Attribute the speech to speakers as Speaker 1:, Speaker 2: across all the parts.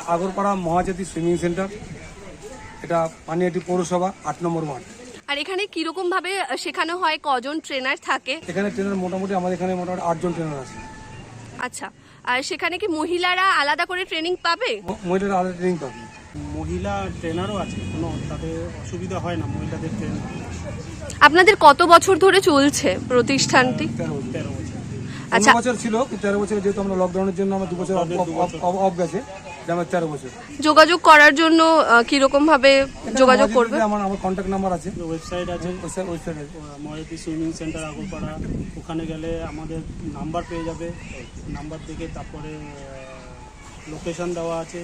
Speaker 1: Agarpara Mahajati swimming centre, এটা পানিহাটি পৌরসভা 8 নম্বর word.
Speaker 2: আর এখানে কিরকম ভাবে শেখানো হয়, কজন ট্রেনার থাকে?
Speaker 1: এখানে ট্রেনার মোটামুটি আমাদের এখানে মোটামুটি 8 জন ট্রেনার আছে।
Speaker 2: আচ্ছা, আর সেখানে কি মহিলারা আলাদা করে ট্রেনিং পাবে?
Speaker 1: মহিলারা আলাদা ট্রেনিং পাবে।
Speaker 3: মহিলা ট্রেনারও আছে, কোনো তাদের অসুবিধা হয় না মহিলাদের ট্রেন।
Speaker 2: আপনাদের কত বছর ধরে চলছে প্রতিষ্ঠানটি?
Speaker 1: 13 বছর।
Speaker 2: আচ্ছা,
Speaker 1: 15 বছর ছিল, 13 বছর যেহেতু আমরা লকডাউনের জন্য আমরা 2 বছর অফ গেছে, আমার 13 বছর।
Speaker 2: যোগাযোগ করার জন্য কিরকম ভাবে যোগাযোগ করবে?
Speaker 1: আমার কন্ট্যাক্ট নাম্বার আছে,
Speaker 3: ওয়েবসাইট আছে,
Speaker 1: ওয়েবসাইট আছে
Speaker 3: মহাজাতি সুইমিং সেন্টার আগরপাড়া। ওখানে গেলে আমাদের নাম্বার পেয়ে যাবে, নাম্বার থেকে তারপরে লোকেশন দেওয়া আছে।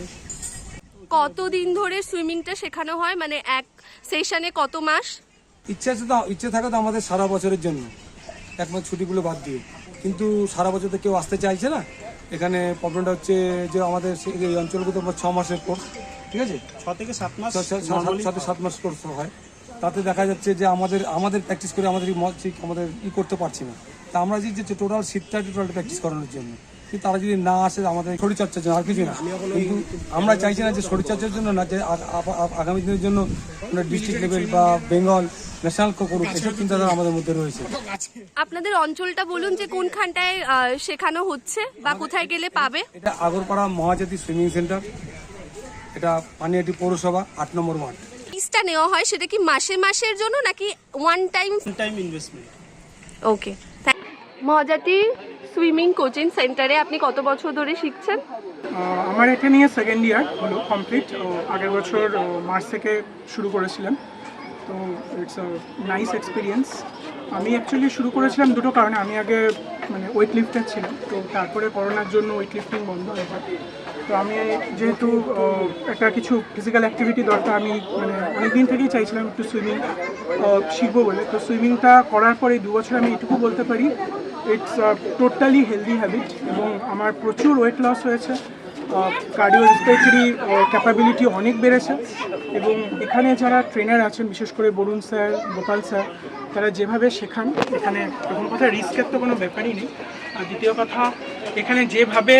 Speaker 2: কতদিন ধরে সুইমিংটা শেখানো হয়, মানে এক সেশনে কত মাস?
Speaker 1: ইচ্ছে থাকে তো আমাদের সারা বছরের জন্য, এক মাস ছুটিগুলো বাদ দিয়ে, কিন্তু সারা বছর তো কেউ আসতে চাইছে না। এখানে প্রবলেমটা হচ্ছে যে আমাদের এই অঞ্চলগুলো 6 মাসের কোর্স, ঠিক আছে,
Speaker 3: 6 থেকে 7 মাস,
Speaker 1: 7 মাস কোর্স হয়। তাতে দেখা যাচ্ছে যে আমাদের প্র্যাকটিস করে আমাদের করতে পারছি না। তা আমরা যে টোটাল শীতটা প্র্যাকটিস করানোর জন্য, কিন্তু তারা যদি না আসে আমাদের শরীরচর্চার জন্য, আর কিছু না। কিন্তু আমরা চাইছি না যে শরীরচর্চার জন্য না, যে আগামী দিনের জন্য আমরা ডিস্ট্রিক্ট লেভেল বা বেঙ্গল ন্যাশনাল করুক, এসব চিন্তাধারা আমাদের মধ্যে রয়েছে।
Speaker 2: আপনাদের অঞ্চলটা বলুন যে কোনখানটায় শেখানো হচ্ছে বা কোথায় গেলে পাবে?
Speaker 1: এটা আগরপাড়া মহাজাতি সুইমিং সেন্টার, এটা পানিহাটি পৌরসভা 8 নম্বর ওয়ার্ড।
Speaker 2: ফিসটা নেওয়া হয় সেটা কি মাসের জন্য নাকি one time
Speaker 3: investment?
Speaker 2: Okay. Mahajati swimming coaching সেন্টারে আপনি কত বছর ধরে শিখছেন?
Speaker 4: আমার এটা নিয়ে সেকেন্ড ইয়ার হলো কমপ্লিট। আগের বছর মার্চ থেকে শুরু করেছিলাম, তো ইটস আ নাইস এক্সপিরিয়েন্স। আমি অ্যাকচুয়ালি শুরু করেছিলাম দুটো কারণে। আমি আগে ওয়েট লিফটার ছিলাম, তো তারপরে করোনার জন্য ওয়েট লিফটিং বন্ধ হয়ে যায়। তো আমি যেহেতু একটা কিছু ফিজিক্যাল অ্যাক্টিভিটি দরকার, আমি অনেক দিন থেকেই চাইছিলাম একটু সুইমিং শিখবো বলে। তো সুইমিংটা করার পরে 2 বছর আমি এটুকু বলতে পারি, ইটস টোটালি হেলদি হ্যাবিট, এবং আমার প্রচুর ওয়েট লস হয়েছে, কার্ডিও রেসপিরেটরি ক্যাপাবিলিটি অনেক বেড়েছে। এবং এখানে যারা ট্রেনার আছেন, বিশেষ করে বরুণ স্যার, গোপাল স্যার, তারা যেভাবে শেখান, এখানে প্রথম কথা রিস্কের তো কোনো ব্যাপারই নেই। আর দ্বিতীয় কথা, এখানে যেভাবে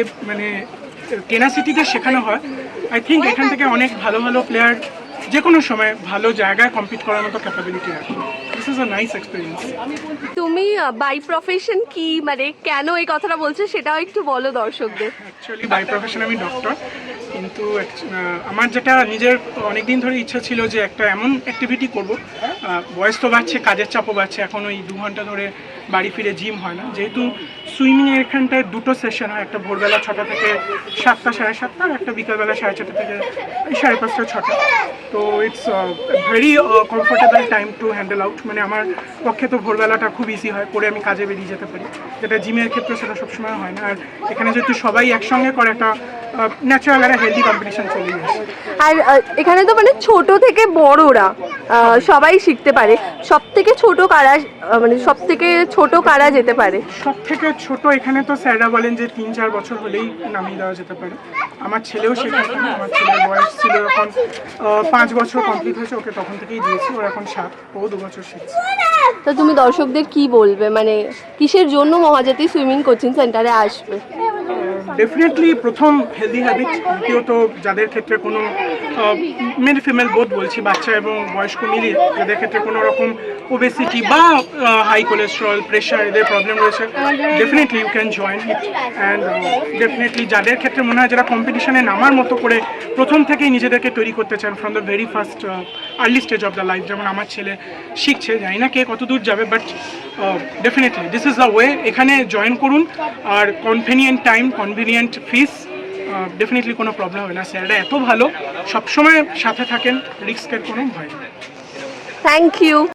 Speaker 4: টেনাসিটিতে শেখানো হয়, আই থিঙ্ক এখান থেকে অনেক ভালো ভালো প্লেয়ার যে কোনো সময় ভালো জায়গায় কম্পিট করার মতো ক্যাপাবিলিটি রাখে। This is a nice experience.
Speaker 2: তুমি বাই প্রফেশন কি, মানে কেন এই কথাটা বলছো সেটাও একটু বলো দর্শকদের।
Speaker 4: অ্যাকচুয়ালি বাই প্রফেশন আমি ডক্টর, কিন্তু আমার যেটা নিজের অনেক দিন ধরে ইচ্ছা ছিল যে একটা এমন অ্যাক্টিভিটি করব। বয়স তো বাড়ছে, কাজের চাপও বাড়ছে, এখন ওই 2 ঘন্টা ধরে বাড়ি ফিরে জিম হয় না। যেহেতু সুইমিংয়ের এখানটায় 2টো সেশন হয়, একটা ভোরবেলা 6টা থেকে 7টা, 7:30, আর একটা বিকালবেলা 4:30 থেকে 5:30, 6টা। তো it's very comfortable time to handle out. আমার পক্ষে তো ভোরবেলাটা খুব ইজি হয়, করে আমি কাজে বেরিয়ে যেতে পারি, যেটা জিমের ক্ষেত্রে সেটা সবসময় হয় না। আর এখানে যেহেতু সবাই একসঙ্গে করে, একটা ন্যাচারাল একটা হেলদি কম্পিটিশন চলে আসে।
Speaker 2: আর এখানে তো মানে ছোট থেকে বড়রা সবাই শিখতে পারে। সব থেকে ছোট কারা, মানে সব থেকে ছোট কারা যেতে পারে?
Speaker 4: সব থেকে ছোট এখানে তো স্যাররা বলেন যে 3-4 বছর হলেই নামিয়ে দেওয়া যেতে পারে। আমার ছেলেও শেখাচ্ছে, আমার ছেলের বয়স ছিল এখন 5 বছর কমপ্লিট হয়েছে, ওকে তখন থেকেই দিয়েছি, ওর এখন 7, ও 2 বছর শিখছে।
Speaker 2: তো তুমি দর্শকদের কি বলবে, মানে কিসের জন্য মহাজাতি সুইমিং কোচিং সেন্টারে আসবে?
Speaker 4: ডেফিনেটলি প্রথম হেলদি হ্যাবিট, দ্বিতীয়ত যাদের ক্ষেত্রে কোনো মেল ফিমেল বোথ বলছি, বাচ্চা এবং বয়স্ক মিলিয়ে, যাদের ক্ষেত্রে কোনো রকম ওবেসিটি বা হাই কোলেস্ট্রল, প্রেশার, এদের প্রবলেম রয়েছে, definitely you can join it. And definitely যাদের ক্ষেত্রে মনে হয় যারা কম্পিটিশনে নামার মতো করে প্রথম থেকেই নিজেদেরকে তৈরি করতে চান from the very first early stage of the life, যেমন আমার ছেলে শিখছে, জানি না কে কত দূর যাবে, but definitely this is the way. এখানে জয়েন করুন, আর convenient time, convenient fees, definitely কোনো প্রবলেম হবে না। স্যাররা এত ভালো, সবসময় সাথে থাকেন, রিস্কের কোনো ভয় নেই।
Speaker 2: Thank you.